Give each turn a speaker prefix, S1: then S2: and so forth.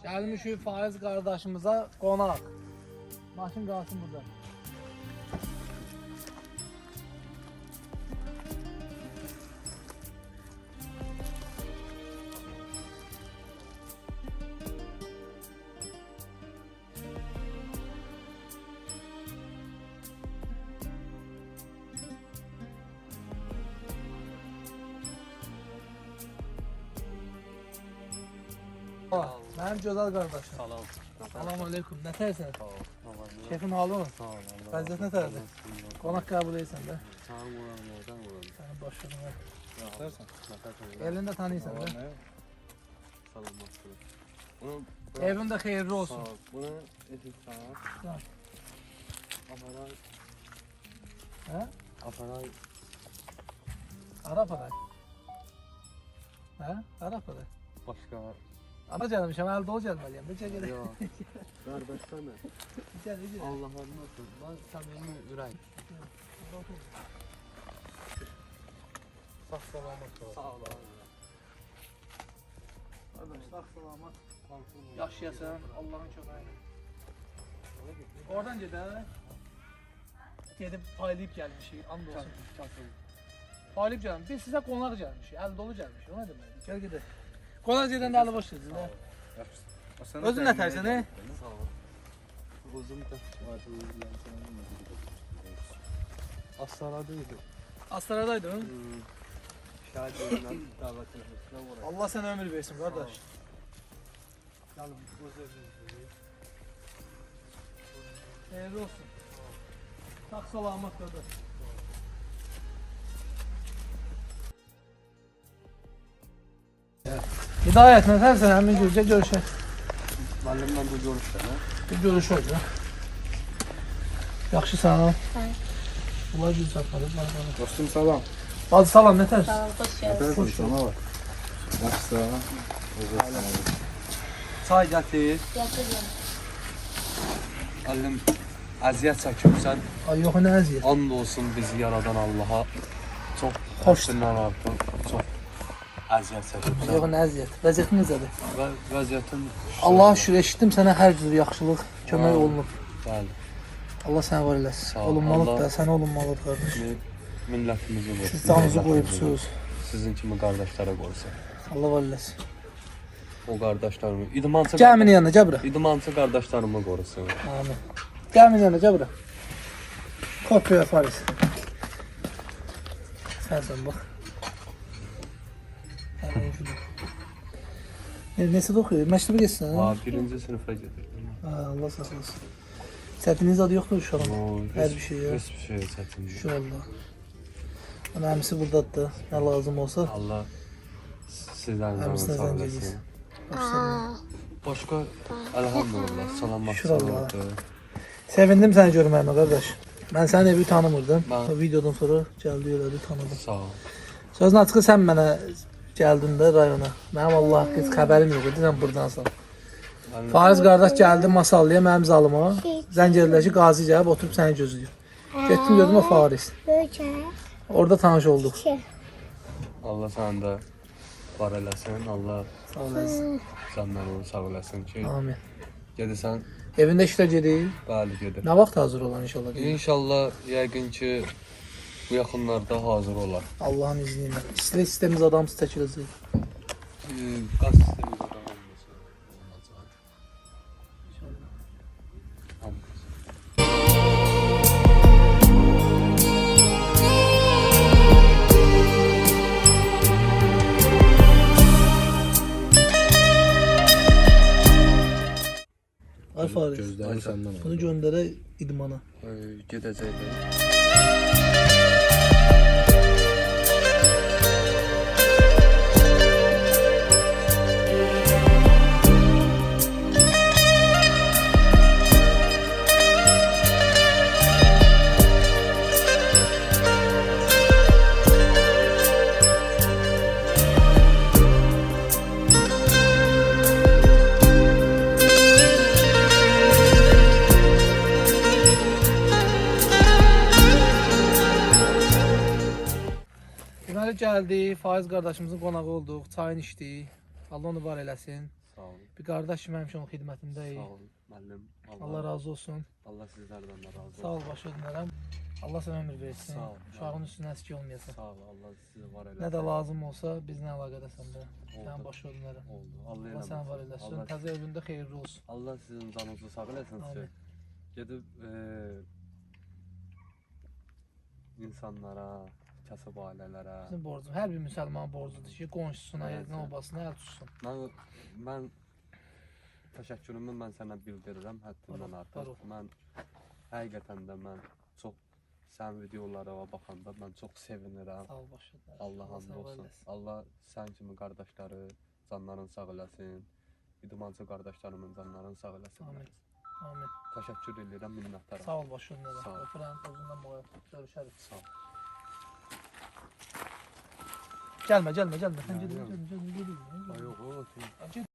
S1: Gəlmişik Faiz qardaşımıza qonaq. Maşın qalsın burada. Mənim gözəl qardaşım.
S2: Salam.
S1: Salam aleykum. Nə tərsən?
S2: Sağ ol.
S1: Şefin halı mı?
S2: Sağ ol.
S1: Vəziyyət nə tərdir? Qonaq qəbul edirsən də.
S2: Sağ ol, nereden vuralım?
S1: Sənin başını ver.
S2: Nəfərsən?
S1: Elini də tanıyırsan da.
S2: Salam olsun. Bunu
S1: Evin də xeyirli
S2: sağ
S1: olsun.
S2: ol. Bunu etin sağ.
S1: Tamam.
S2: Aparay.
S1: Hə?
S2: Aparay.
S1: Arap aday. Hə? Arap aday.
S2: Başka.
S1: Ana gəlmişəm, əl dolu gəlməliyəm. Necə gələk?
S2: Yok. Kardeşler mi?
S1: Gəl, gəl.
S2: Allah'ın nasıl? Ben samimi ürək.
S1: Sağ salamat ol.
S2: Sağ ol.
S1: Qardaş, sağ salamat. Yaşayasan, Allahın köməyi ilə. Oradan gedək. Gedib paylayıb gəlmişik, and olsun. Paylayıb gəlmişik. Biz sizə qonaq gəlmişik, əl dolu gəlmişik. O nə deməkdir? Gəl gedək. Qonaq gedəndə əli boş gedin. Özün nə tərsən, he?
S2: Sağ ol. Uzun da. Astaradaydı.
S1: Astaradaydın.
S2: Şahit yerinden davet etmesine uğraştım.
S1: Allah sənə ömür versin, qardaş.
S2: Yalım, gözleriniz.
S1: Xeyirli olsun. Sağ salamat qardaş. Hidayət, nə tərsən? Həmin gürcə görüşək.
S2: Müəllimlə bu görüşdə,
S1: Bir görüşək ya. Yaxşısan o? Bunlar gül çatmadı.
S3: Dostum salam.
S1: Bacı salam, nə tərsən?
S4: Sağ ol, hoş geldin.
S3: Hoş sana var. Yaxşı.
S2: Çay gətir.
S4: Yatırıyorum.
S2: Müəllim, əziyyət çəkibsən.
S1: Ay yox, nə əziyyət.
S2: And olsun bizi yaradan Allaha. Çox
S1: Xoş.
S2: xoşundan artıq. Çox əziyyət
S1: Yox,
S2: çəkibsən.
S1: nə əziyyət. Vəziyyətin necədir?
S2: Və vəziyyətin
S1: Allah'a şükür eşitdim sənə hər cür yaxşılıq, kömək
S2: Amin.
S1: olunub.
S2: bəli.
S1: Allah sənə var eləsin.
S2: Sağ ol.
S1: Olunmalıdır
S2: Allah-
S1: da, sənə olunmalıdır qardaş.
S2: Millətimizi qorusun.
S1: Siz canınızı
S2: millətimizi.
S1: qoyubsunuz.
S2: Sizin kimi qardaşlara qorusun.
S1: Allah var eləsin.
S2: O qardaşlarımı, idmançı
S1: Gəl yanına, gəl bura.
S2: idmançı qardaşlarımı qorusun.
S1: Amin. Gəl yanına, gəl bura. Kopya Faris. Sənsən bax. Nəsə oxuyur? Məktəbə getsin
S2: Ha,
S1: ha?
S2: birinci sinifə gedirdim.
S1: Ha, Allah saxlasın. Çətiniz adı yoxdur uşağım. Hər bir şey ya.
S2: Heç bir şey çətin deyil.
S1: İnşallah. Ana əmisi burdadır da. Nə lazım olsa.
S2: Allah sizdən
S1: Həmsinə
S2: sağ
S1: zəng
S2: olasın.
S1: edirsən.
S2: Başqa elhamdülillah salamat
S1: Şükür
S2: salamat.
S1: Sevindim səni görməyimə qardaş. Mən sənin evi tanımırdım.
S2: Mən-
S1: O videodan sonra gəldi elədi tanıdım.
S2: Sağ ol.
S1: Sözün açığı sən mənə gəldin də rayona. Mənim Allah haqqı heç xəbərim yox idi, sən burdansan.
S2: Mən
S1: Fariz qardaş gəldi Masallıya mənim zalıma. Zəng edirlər ki, Qazi gəlib oturub səni gözləyir. Getdim gördüm o Fariz. Orada tanış olduq.
S2: Allah sənin də var eləsin. Allah
S1: Sağ olasın.
S2: səndən onu sağ eləsin ki,
S1: Amin.
S2: gedirsən,
S1: Evində işlə gedir.
S2: bəli gedir.
S1: Nə vaxt hazır olan inşallah.
S2: İnşallah yəqin ki bu yaxınlarda hazır olar.
S1: Allahın izni ilə. İstər istəmiz adamsız çəkiləcək.
S2: Qaz sistemi qurağı olmasa olacaq. Hamı.
S1: Ay Fariz.
S3: Gözləri səndən
S1: Bunu göndərə idmana.
S2: Gedəcəklər.
S1: Deməli gəldi, Faiz qardaşımızın qonağı olduq, çayını içdik. Allah onu var eləsin.
S2: Sağ olun.
S1: Bir qardaş kimi həmişə onun xidmətindəyik.
S2: Sağ olun müəllim.
S1: Allah razı olsun.
S2: Allah sizlərdən də razı olsun.
S1: Sağ ol, başa dönərəm. Allah sənə ömür versin.
S2: Sağ ol.
S1: Uşağın üstünə əski olmayasın.
S2: Sağ ol. Allah sizi var eləsin.
S1: Nə də lazım olsa bizlə əlaqədəsən də. Sən
S2: Oldu.
S1: başa dönərəm.
S2: Oldu. Allah
S1: Allah
S2: eləməsin.
S1: səni var eləsin.
S2: Allah,
S1: Təzə evində xeyirli olsun.
S2: Allah sizin canınızı sağ eləsin sizi.
S1: Amin.
S2: Gedib insanlara, kasıb ailələrə.
S1: Bizim borcumuz, hər bir müsəlmanın borcudur ki, qonşusuna,
S2: Evet.
S1: elinə, obasına əl tutsun.
S2: Mən təşəkkürümü mən sənə bildirirəm həddindən
S1: Var
S2: artıq.
S1: ol.
S2: Mən həqiqətən də mən çox sənin videolara baxanda mən çox sevinirəm.
S1: Sağ ol, başa dönərəm.
S2: Allah hamd
S1: səni var
S2: olsun.
S1: eləsin.
S2: Allah sən kimi qardaşları canların sağ eləsin. İdmancı qardaşlarımın canlarını sağ eləsin.
S1: Amin. Amin.
S2: Təşəkkür edirəm, minnətdaram.
S1: Sağ ol, başa dönərəm.
S2: Sağ ol.
S1: Öpürəm, özündən boya. Görüşərik.
S2: Sağ ol.
S1: Gəlmə, gəlmə, gəlmə. Sən
S2: Gəlmə.
S1: gedin, gəlmə, gəlmə, gedin.
S2: Ay yox, o.
S1: Get.